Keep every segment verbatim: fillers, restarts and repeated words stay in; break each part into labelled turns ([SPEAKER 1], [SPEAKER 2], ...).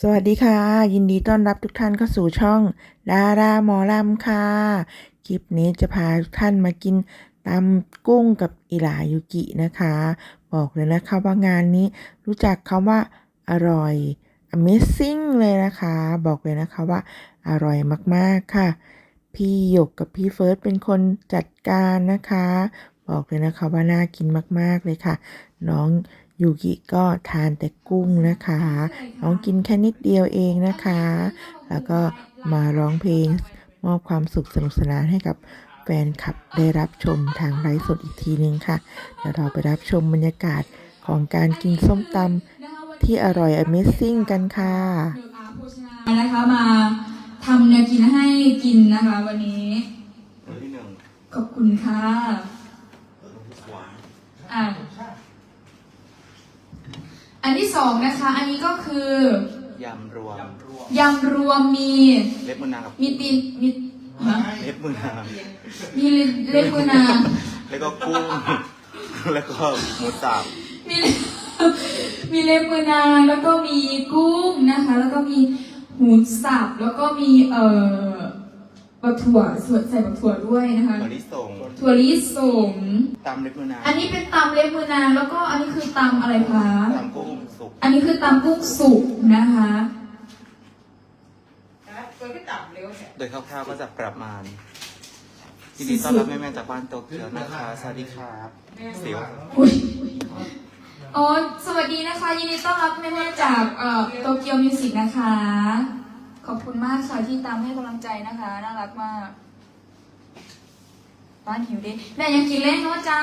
[SPEAKER 1] สวัสดีค่ะยินดีต้อนรับทุกท่านเข้าสู่ช่องดาราหมอลำค่ะคลิปนี้จะพาทุกท่านมากินตำกุ้งกับอิหร่ายุกินะคะบอกเลยนะคะว่างานนี้รู้จักคำว่าอร่อย Amazing เลยนะคะบอกเลยนะคะว่าอร่อยมากๆค่ะพี่หยกกับพี่เฟิร์สเป็นคนจัดการนะคะบอกเลยนะคะว่าน่ากินมากๆเลยค่ะน้องยูกิก็ทานแต่กุ้งนะคะน้องกินแค่นิดเดียวเองนะคะแล้วก็มาร้องเพลงมอบความสุขสนุกสนานให้กับแฟนคลับได้รับชมทางไลฟ์สดอีกทีนึงค่ะเดี๋ยวเราไปรับชมบรรยากาศของการกินส้มตำที่อร่อย Amazing กันค่ะ
[SPEAKER 2] นะคะมาทำแนวกินให้กินนะคะวันนี้ขอบคุณค่ะอ่ะอันที่สองนะคะอันนี้ก็คือย
[SPEAKER 3] ำรวม
[SPEAKER 2] ยำรวมมี
[SPEAKER 3] เล็บมือนางกับ
[SPEAKER 2] มีตีนมีฮะ
[SPEAKER 3] เล็บมือนาง
[SPEAKER 2] มีเล็บมือนาง
[SPEAKER 3] แล้วก็กุ้งแล้วก็หมูสับ
[SPEAKER 2] มีมีเล็บมือนางแล้วก็มีกุ้งนะคะแล้วก็มีหมูสับแล้วก็มีเอ่อบักถั่วใส่บักถั่วด้วยนะคะ
[SPEAKER 3] ถั่วลิสง
[SPEAKER 2] ถั่วลิสง
[SPEAKER 3] ตำเล็บมือนาง
[SPEAKER 2] อันนี้เป็นตำเล็บมือนางแล้วก็อันนี้คือตำอะไรคะ
[SPEAKER 3] ตำกุ้งสุก
[SPEAKER 2] อันนี้คือตำกุ้งสุกนะคะ
[SPEAKER 3] โดยคร่าวๆก็จะประมาณยินดีต้อนรับแม่ๆจากบ้านโตเกียวนะคะสวัสดีครับเสียว
[SPEAKER 2] อ๋อสวัสดีนะคะยินดีต้อนรับแม่ๆจากเอ่อโตเกียวมิวสิกนะคะขอบคุณมากค่ะที่ตามให้กำลังใจนะคะน่ารักมากบ้านหิวดิแม่ยังกินเล่นเนาะจ้า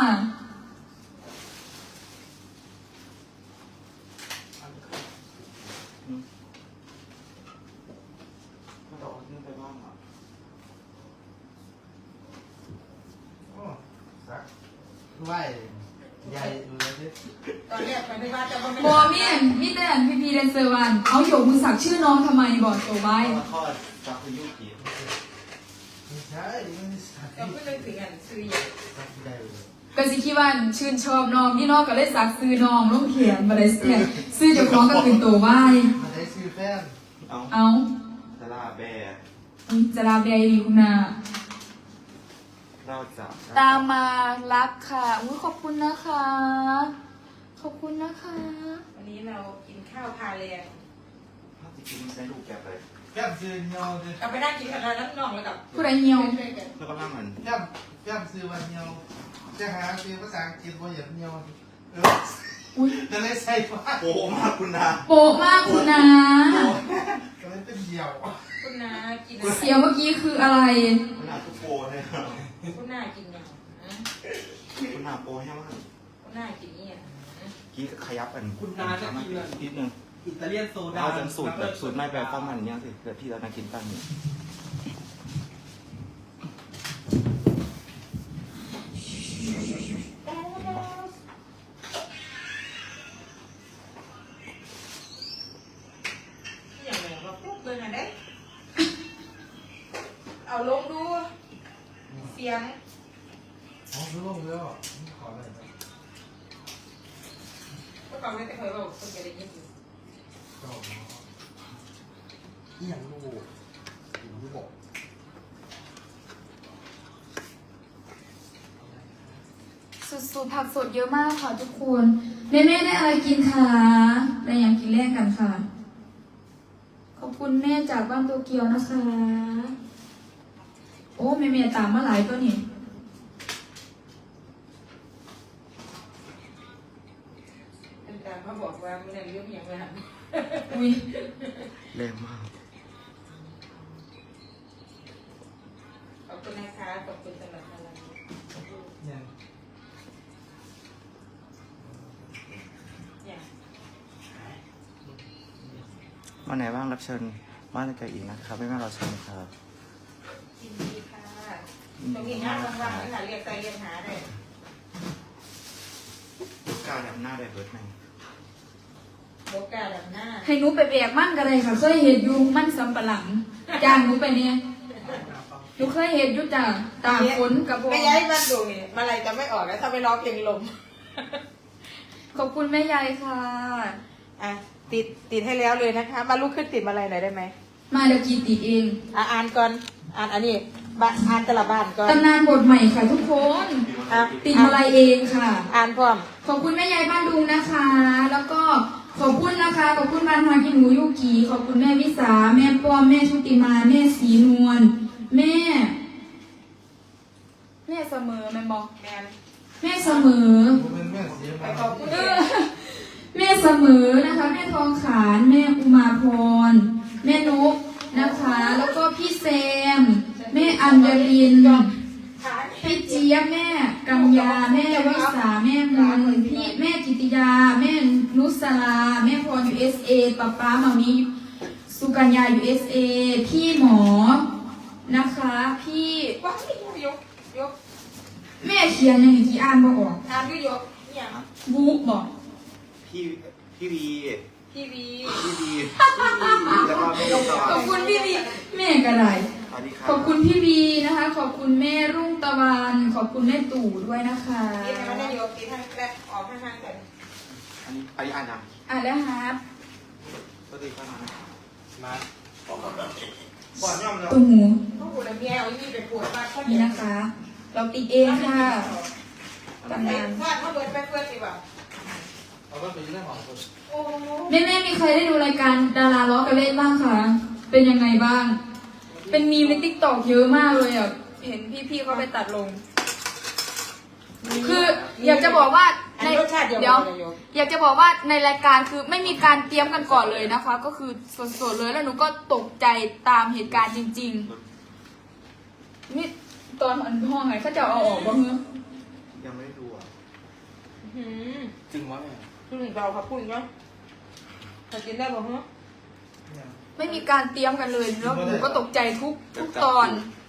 [SPEAKER 4] ไหวใหญ่เลยตอนแรกไม่ว่าจะไม่
[SPEAKER 2] บอเมียนมิแต่พีพีเดนเซอร์วันเขาโยกมือสักชื่อน้องทำไมบอกตัวไว้
[SPEAKER 3] ทอดซักพยุกิ
[SPEAKER 4] ไม่ใช่
[SPEAKER 5] เราเพิ่งเลยถึงอันซื้ออย่าง
[SPEAKER 2] ก็สิคิดว่าชื่นชอบน้องนี่น้องก็เลยสักซื้อน้องลงเขียนมาเลยเนี่ยซื้อเจ้าของก็เป็นตัวไว้
[SPEAKER 4] มาได้ซื้อแฟน
[SPEAKER 3] เอา
[SPEAKER 2] เอา
[SPEAKER 3] จะลาแบร์
[SPEAKER 2] จะลาแบร์ดีคุณนา
[SPEAKER 3] เราจะ
[SPEAKER 2] ตามมารักค่ะอุ้ยขอบคุณนะคะขอบคุณนะคะ
[SPEAKER 5] วันนี้เรากินข้าวพาเรียน
[SPEAKER 3] ถ้าจะกินใช้ลูกแกไป
[SPEAKER 4] แก้มซื้อเนียวเลย
[SPEAKER 5] เราไปนั่งกินกันแล้วน้ำนองแล้วกับ
[SPEAKER 2] ผู้ใดเนียว
[SPEAKER 3] แล้วก็นั่งมัน
[SPEAKER 4] แก้มแก้มซื้อวันเนียวจะหาซื้อภาษาอังกฤษว่าอย่างเนียว
[SPEAKER 2] อุ้ย
[SPEAKER 4] จะเลยใส่ว่า
[SPEAKER 3] โป๊มากคุณนา
[SPEAKER 2] โป๊มากคุณนา
[SPEAKER 4] ก็เลยเป็นเดี่ยว
[SPEAKER 5] คุณนากิน
[SPEAKER 2] เสียงเมื่อกี้คืออะไร
[SPEAKER 3] คุณนาทุกโปเลยครับ
[SPEAKER 5] คุณนากินเนี่ย
[SPEAKER 3] คุณนาโปแห้งมาก
[SPEAKER 5] คุณนากินเนี่ย
[SPEAKER 3] กี้ขยับกัน
[SPEAKER 4] คุณนาจะกิน
[SPEAKER 3] นิดนึง
[SPEAKER 4] อิตาเลียนโซดา
[SPEAKER 3] เอาจนสูตรแบบสูตรไม่แบบข้าวมันเนี่ยสิเกิดที่เรานากินตั้งนี่
[SPEAKER 5] อย่างไรว่าปุ๊บเลยนะเด้เอาลงดูเสียง
[SPEAKER 4] อ๋อรู้ลงแล้วขออะไร
[SPEAKER 5] ก็ฟังไม่ได้เคยบอกคนจะได้ยินอยู่
[SPEAKER 4] อีหยังลูกลูกบอก
[SPEAKER 2] สุดๆผักสดเยอะมากค่ะทุกคนแม่ๆได้อะไรกินคะได้อย่างกินแรกกันค่ะขอบคุณแม่จากบ้านโตเกียวนะคะโอ้แม่ๆตามมาหลายตัวนี่
[SPEAKER 5] แต่เขาบอกว่าไม่ได้เรื่องอย่างนั้น
[SPEAKER 2] อุ้ย
[SPEAKER 3] แรงมาก
[SPEAKER 5] ขอบคุณนะคะขอบคุณสำหรับอะไร
[SPEAKER 4] เนี่ย
[SPEAKER 3] วันไหนบ้างรับเชิญบ้านไกลอีกนะครับไม่แม่เราเชิญครับ
[SPEAKER 5] ยินดีค่ะตรงนี้งานว่างๆนี่ค่ะเรียกใจเรียกหาได้
[SPEAKER 3] ลูกกาแบบหน้าได้เบิร์ดไหม
[SPEAKER 5] ลูกกาแบบหน้า
[SPEAKER 2] ให้หนูไปแบกมั่นกันเลยค่ะเคยเห็นยุงมั่นสำปะหลังจ้างหนูไปเนี่ยหนูเคยเห็นยุจ่าตากฝนกับ
[SPEAKER 5] ไม่ย้ายมันดูนี่มาอะไรจะไม่ออกแล้วถ้าไปร้องเพลงลม
[SPEAKER 2] ขอบคุณแม่ยายค่ะ
[SPEAKER 5] อ่ะติดติดให้แล้วเลยนะคะ มาลุกขึ้นติดมาอะไรหน่อยได้ไหม
[SPEAKER 2] มาเดี๋ยวกีติดเอง
[SPEAKER 5] อ่ะอ่านก่อนอ่านอันนี้บ้านอ่านแต่ละบ้านก่อน
[SPEAKER 2] ตำนานบทใหม่ค่ะทุกคน
[SPEAKER 5] อ่ะ
[SPEAKER 2] ติดมาลายเองค่ะ
[SPEAKER 5] อ่านพร้อม
[SPEAKER 2] ขอบคุณแม่ยายบ้านดุงนะคะ แล้วก็ขอบคุณนะคะ ขอบคุณบ้านฮากินหนูยุกีขอบคุณแม่วิสา แม่ป้อม แม่ชุติมา แม่สีนวล แม่ แม่เสมอแม่บอก
[SPEAKER 5] แมน
[SPEAKER 2] แม่เสมอ
[SPEAKER 4] ผมเป็นแม่เสีย
[SPEAKER 5] ไป
[SPEAKER 4] มา
[SPEAKER 5] ขอบคุณ
[SPEAKER 2] เออแม่เสมอนะคะ แม่ทองขานแม่อุมาพร แม่นกนะคะ แล้วก็พี่แซม แม่อัญญลิน พี่เจี๊ยบแม่กัญญาแม่วิสาแม่มนพี่แม่จิตติยา แม่นุสลาแม่พรยูเอสเอป้าป้ามามีสุกัญญายูเอสเอพี่หมอนะคะ พี่
[SPEAKER 5] ว้าว ยกยก
[SPEAKER 2] แม่เขียนอย่างกี่อ่านบ่ออก
[SPEAKER 5] อ่านด้วยยกเนี่ย
[SPEAKER 2] บูบอก
[SPEAKER 3] พี่พี่วี
[SPEAKER 5] ทีวี
[SPEAKER 3] พี่วีแล้วก็ไม่ต้อง
[SPEAKER 2] ขอบคุณพี่วีแม่กระไร
[SPEAKER 3] สวัสดีครับ
[SPEAKER 2] ขอบคุณพี่วีนะคะ ขอบคุณแม่รุ่งตะวัน ขอบคุณแม่ตู่ด้วยนะคะ
[SPEAKER 5] ติดให้มันได้ยกติดให้แรกออกข้างๆกัน
[SPEAKER 3] อันนี้อันนี้อ่านยัง
[SPEAKER 2] อ่ะแล้วฮาร์ป
[SPEAKER 3] สวัสดีครับ
[SPEAKER 4] มาก่อนย่อมเลย
[SPEAKER 2] ตุ้มหู
[SPEAKER 5] พวกกูเลยเมียเอาอีนี่ไปปวดบ้านเขา
[SPEAKER 2] นี่
[SPEAKER 5] เนี่ย
[SPEAKER 2] นะคะ เราติดเองค่ะตำนาน
[SPEAKER 5] วาดเขาเบิดไปเพื่อนดีกว่า
[SPEAKER 4] เอาไปเป็นเรื่องของคน
[SPEAKER 5] โอ้
[SPEAKER 2] แม่แม่ๆมีใครได้ดูรายการดาราล้อกันเล่นบ้างคะ เป็นยังไงบ้าง เป็นมีมในติ๊กต็อกเยอะมากเลยอ่ะ เห็นพี่ๆเขาไปตัดลง คืออยากจะบอกว่า
[SPEAKER 5] อัน
[SPEAKER 2] ใน
[SPEAKER 5] รสชาติเดียว
[SPEAKER 2] เดี๋ยว
[SPEAKER 5] กันเลยยก
[SPEAKER 2] อยากจะบอกว่าในรายการคือไม่มีการเตรียมกันก่อนเลยนะคะ ก็คือสดๆเลยแล้วหนูก็ตกใจตามเหตุการณ์จริงๆนี่ตอนอันห้องไงเขาจะเอาออกบ้างเหรอ
[SPEAKER 3] ยังไม่ได้ดูอ่ะ
[SPEAKER 5] หืม
[SPEAKER 4] จริงวะแม่
[SPEAKER 5] พูดถึงเราครับพูดถึงเนาะถ้ากินได้บ่ฮะ
[SPEAKER 2] ไม่มีการเตรียมกันเลยแล้วหนูก็ตกใจทุกทุกตอน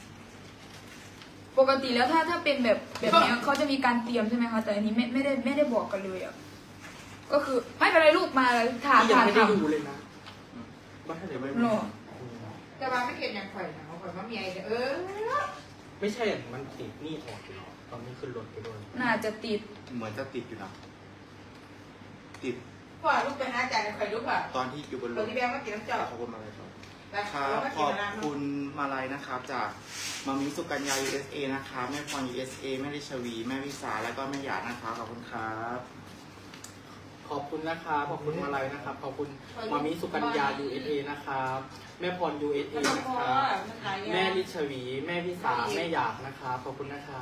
[SPEAKER 2] ปกติแล้วถ้าถ้าเป็นแบบแบบเนี้ยเขาจะมีการเตรียมใช่ไหมคะแต่อันนี้ไม่ไม่ได้ไม่ได้บอกกันเลยอ่ะก็คือไม่เป็นไรลูกมาถาม
[SPEAKER 6] ยั
[SPEAKER 2] ถาง ม
[SPEAKER 6] ไม่ได้
[SPEAKER 2] ถาม
[SPEAKER 6] ดูเลยนะบ้านเดี๋ยวไม่
[SPEAKER 2] หรอ
[SPEAKER 5] แต่ว่าไม่เกิดอย่างข่อยนะข่อยว่าเมียเออ
[SPEAKER 6] ไม่ใช่อย่างมันติดนี่ออกอยู่เนาะตอนนี้ขึ้นรถไปด้วย
[SPEAKER 2] น่าจะติด
[SPEAKER 3] เหมือนจะติดอยู่นะติด
[SPEAKER 5] พ่อลูกไปหาจ่ายข่อยลูกอ่ะ
[SPEAKER 3] ตอนที่อยู่บนร
[SPEAKER 5] คน
[SPEAKER 3] ถ
[SPEAKER 5] ที่แบงมากินน้ำเจ้า
[SPEAKER 3] ขอบคุณมาเลยครับ
[SPEAKER 5] แล้ว
[SPEAKER 3] ครับ
[SPEAKER 5] เราก็
[SPEAKER 3] ข
[SPEAKER 5] กิน
[SPEAKER 3] อบ
[SPEAKER 5] น้ำ
[SPEAKER 3] คุณมาลัยนะครับ จากมามิสุกัญญา ยู เอส เอ นะคะแม่พร ยู เอส เอ แม่ริชวี แม่วิสา แล้วก็แม่หยาดนะคะขอบคุณครับ
[SPEAKER 6] ขอบคุณนะครับขอบคุณมาลัยนะครับ ขอบคุณมามิสุกัญญา ยู เอส เอ นะครับ แม่พร ยู เอส เอ
[SPEAKER 5] แล้ว
[SPEAKER 6] นะ
[SPEAKER 5] ก็
[SPEAKER 6] ครับ
[SPEAKER 5] มันหลายอย่าง
[SPEAKER 6] แม่ลิชวี แม่พิสา แม่หยาดนะครับ ขอบคุณนะครับ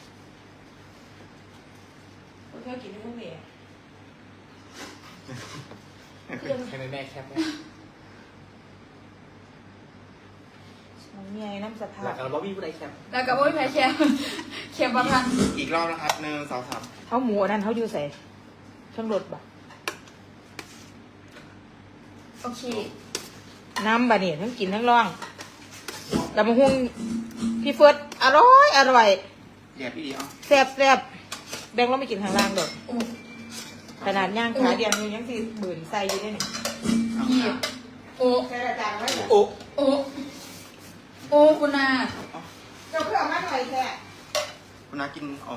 [SPEAKER 5] คนเที่ยวกินที่พวกนี้
[SPEAKER 6] ให้แม่แคปไหม
[SPEAKER 5] เมียน้ำสะท้า
[SPEAKER 6] หลักการบอบบี้ผู้ใดแคป
[SPEAKER 2] แล้วกับโอ้ยแพ้แคมแคมประพันธ์
[SPEAKER 3] อีกรอบนะครับหนึ่งสองสาม
[SPEAKER 5] เขาหมูนั่นเขาอยู่ใส่เครื่องรถบ่
[SPEAKER 2] โอเค
[SPEAKER 5] น้ำบะเนี่ยทั้งกินทั้งร่องแต่มาหุงพี่เฟิร์สอร่อยอร่อย
[SPEAKER 3] เดี๋ยวพี่ดีเอา
[SPEAKER 5] แซ่บแซ่บแบงค์เราไม่กินข้างล่างดอก
[SPEAKER 2] โอ้
[SPEAKER 5] ขนาดย่างขาเดียวนึงยังสิบืนใส่อยู่ได้นี่
[SPEAKER 3] เอา
[SPEAKER 2] พี่
[SPEAKER 3] ครับ
[SPEAKER 2] โอ้
[SPEAKER 5] ใส่อาจารย์ไว้
[SPEAKER 6] โอ้
[SPEAKER 2] โอ้โอ้คุณนา
[SPEAKER 5] เจ้าเพื่อมาหน่อยแค่
[SPEAKER 3] คุณน้ากินอม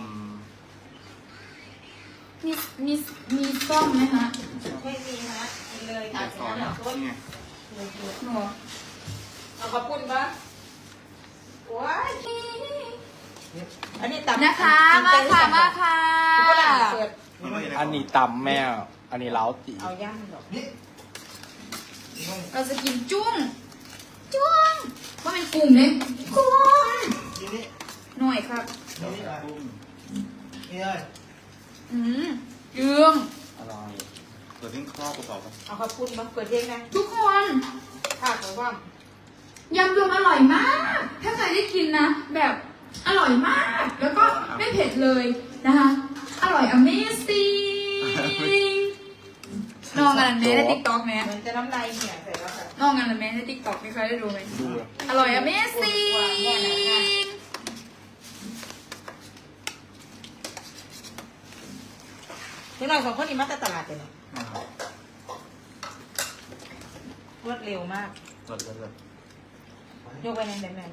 [SPEAKER 2] มีมีมีซ่อมไหมฮะ
[SPEAKER 5] ไม่มีฮะกินเลย
[SPEAKER 3] เดี๋
[SPEAKER 5] ค่ะ
[SPEAKER 3] ยวสอนนะนี่ไง
[SPEAKER 2] หนู
[SPEAKER 5] เอาขอบคุณปะโอ้ยอันนี้ตับ
[SPEAKER 2] นะคะมาค่ะมาค่ะ
[SPEAKER 5] ก็หลังเปิด
[SPEAKER 6] อันนี้ตำแม่ อันนี้เล้าตี
[SPEAKER 5] เอาย่างดอก
[SPEAKER 4] นี่
[SPEAKER 2] เราจะกินจุ้งจุ้งเพราะเป็นกลุ่มเลยกุ้ง
[SPEAKER 4] นี่นี่
[SPEAKER 2] หน่อยครับ
[SPEAKER 4] นี่นี่
[SPEAKER 3] กุ้ง
[SPEAKER 4] นี่เลย
[SPEAKER 2] อืมเยื่อง
[SPEAKER 3] อร่อยเปิดทิ้งครอบกระเป๋าครับ
[SPEAKER 5] เอาขอบคุณมาเปิดเพลงนะ
[SPEAKER 2] ทุกคน
[SPEAKER 5] ข้าวของว่าย
[SPEAKER 2] ำรวมอร่อยมาก ถ้าใครได้กินนะ แบบอร่อยมาก แล้วก็ไม่เผ็ดเลยนะคะ อร่อย amazing น้องกันแม่ในติ๊กต็อกแม่
[SPEAKER 5] เหมือนจะน้ำลายเหี่ยใส่แล้วค่ะ
[SPEAKER 2] น้องกันแม่ในติ๊กต็อกมีใครได้ดูไหม
[SPEAKER 6] ดูอะ
[SPEAKER 2] อร่อย amazing
[SPEAKER 5] เดี๋ยวหน่อยสองคนนี้มาแต่ตลาดเลยเนาะรวดเร็วมาก
[SPEAKER 3] เลิศเลิศเลิศ
[SPEAKER 5] ยกไปในแบงค์ไหน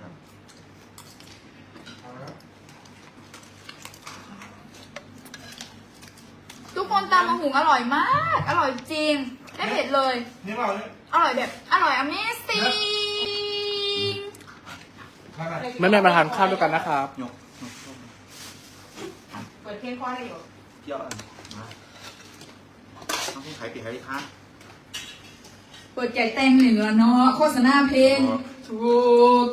[SPEAKER 2] ทุกคนตามมาหุงอร่อยมาก อร่อยจริง
[SPEAKER 3] ค
[SPEAKER 2] ไม่เผ็ดเลย
[SPEAKER 4] นี่เปล่าเนี่ย
[SPEAKER 2] อร่อยแบบอร่อย Amazing
[SPEAKER 6] แม่แม่มาทานข้าวด้วยกันนะครับ
[SPEAKER 3] ยกยกยก
[SPEAKER 5] เปิดเพลงคว้าได้อยู่
[SPEAKER 3] เยอะมาต้องให้ใครปิดใครท้า
[SPEAKER 2] เปิดแจกแตงเหนือเนาะโฆษณาเพลงถูก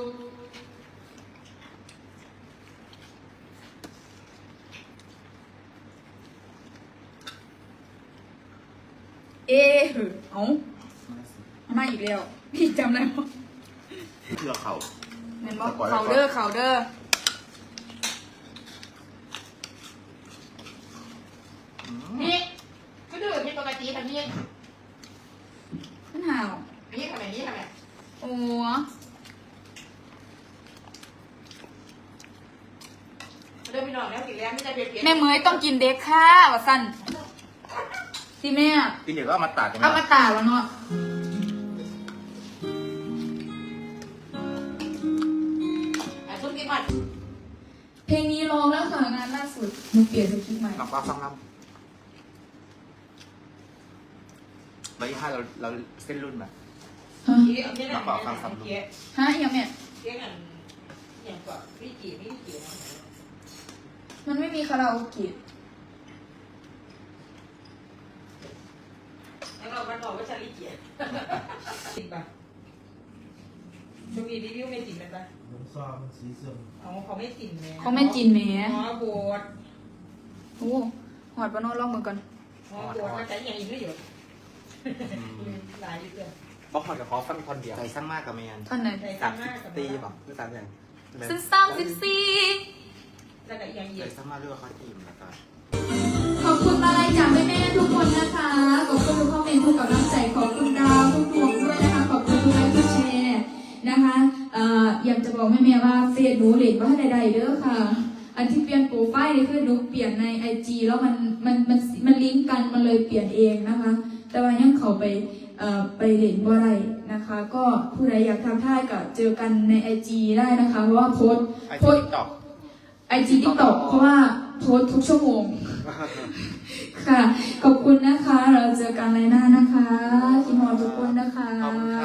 [SPEAKER 2] เอ๊ะเอาเอามาอีกแล้วพี่จำได้ปะ
[SPEAKER 3] เพื่อเขา
[SPEAKER 2] เห็นปะเขาเด้อเขาเด้อ
[SPEAKER 5] นี่ก็ดื้อมีปกติแบบนี้
[SPEAKER 2] ขึ้นห่าว
[SPEAKER 5] นี่ทำไมนี่ทำไม
[SPEAKER 2] โอ้
[SPEAKER 5] เดินไปนอนแล้วสิแล้วไม่ได้เปลี่ยน
[SPEAKER 2] แม่เมยต้องกินเด็กค่ะวะสันที่แม่
[SPEAKER 3] กินเดี๋ยวก็เอามาตัดกัน
[SPEAKER 2] เอามาตากแล้วเนาะ
[SPEAKER 5] อ่ะซุปกินก่อน
[SPEAKER 2] เพลงนี้ร้องแล้วค่ะงานล่าสุดหนูเปลี่ยนสคริปต์ใหม่
[SPEAKER 3] ลำปลาฟังลำใบห้าเราเราเส้นรุ่นแบบ
[SPEAKER 2] ฮะ
[SPEAKER 5] นี่เอาเนี่ยนะเกี๊ย
[SPEAKER 2] ฮะยังแม่
[SPEAKER 5] เกี๊ยกันอย่างก่อนพี่จีพี่จี
[SPEAKER 2] มันไม่มีคาราโอเกะ
[SPEAKER 5] แล้วเราบ้านบอกว่าชาลีเกี๊ยติดป่ะช่วงนี้รีวิวไม่ติดเลยป่ะ
[SPEAKER 4] น้ำซอมันสีส้ม
[SPEAKER 5] อ๋อเขาไม่ติดแม่
[SPEAKER 2] เขาไม่จินแหม่
[SPEAKER 5] อ๋อโบด
[SPEAKER 2] โอ้หอดปะโนลองมือก่อน
[SPEAKER 5] อ๋อโบดมันใช้อย่างอีกด้วยอยู่หลายอยู่เกิน
[SPEAKER 6] บอกขอจะขอฟังคนเดียว
[SPEAKER 3] ใจสร้างมากกับแมน
[SPEAKER 2] ท่อนไหน
[SPEAKER 5] ใส่
[SPEAKER 3] สา
[SPEAKER 5] ซ้ำ
[SPEAKER 3] ม
[SPEAKER 5] มาก
[SPEAKER 3] สิ
[SPEAKER 5] กับบ
[SPEAKER 3] ตีบอกคือสามอย่าง
[SPEAKER 2] ซึ่งสามสิบสี่
[SPEAKER 5] แล้วก็อย่าง
[SPEAKER 3] ใจ
[SPEAKER 5] เย็น
[SPEAKER 3] สร้างมากเรื่องเขาทีมแล้วก็
[SPEAKER 2] ขอบคุณมาลัยจากแม่แม่ๆทุกคนนะคะขอบคุณทุกคอมเมนต์ทุกกำลังใจขอบคุณดาวทุกดวงด้วยนะคะขอบคุณทุกไลค์ทุกแชร์นะคะเอ่ออยากจะบอกแม่แม่ๆว่าเฟซหนูเล่นว่าใดๆเด้อค่ะ อันที่เปลี่ยนโปรไฟล์นี่คือหนูเปลี่ยนในไอจีแล้วมันมันมันมันลิงก์กันมันเลยเปลี่ยนเองนะคะ แต่ว่ายังเขาไปเอ่อไปเล่นบ่ได้นะคะ ก็ผู้ใดอยากทำท่ายก็เจอกันในไอจีได้นะคะ เพราะว่าโพสต์
[SPEAKER 3] ไอ
[SPEAKER 2] โพ
[SPEAKER 3] จี
[SPEAKER 2] สต์
[SPEAKER 3] ตอก
[SPEAKER 2] ไอจีทิกตอกเพราะว่าโพสต์ทุกชั่วโมง ค่ะ ขอบคุณนะคะ เราเจอกันในหน้านะคะคิมฮอทุกคนนะคะ
[SPEAKER 3] ขอบคุณค่ะ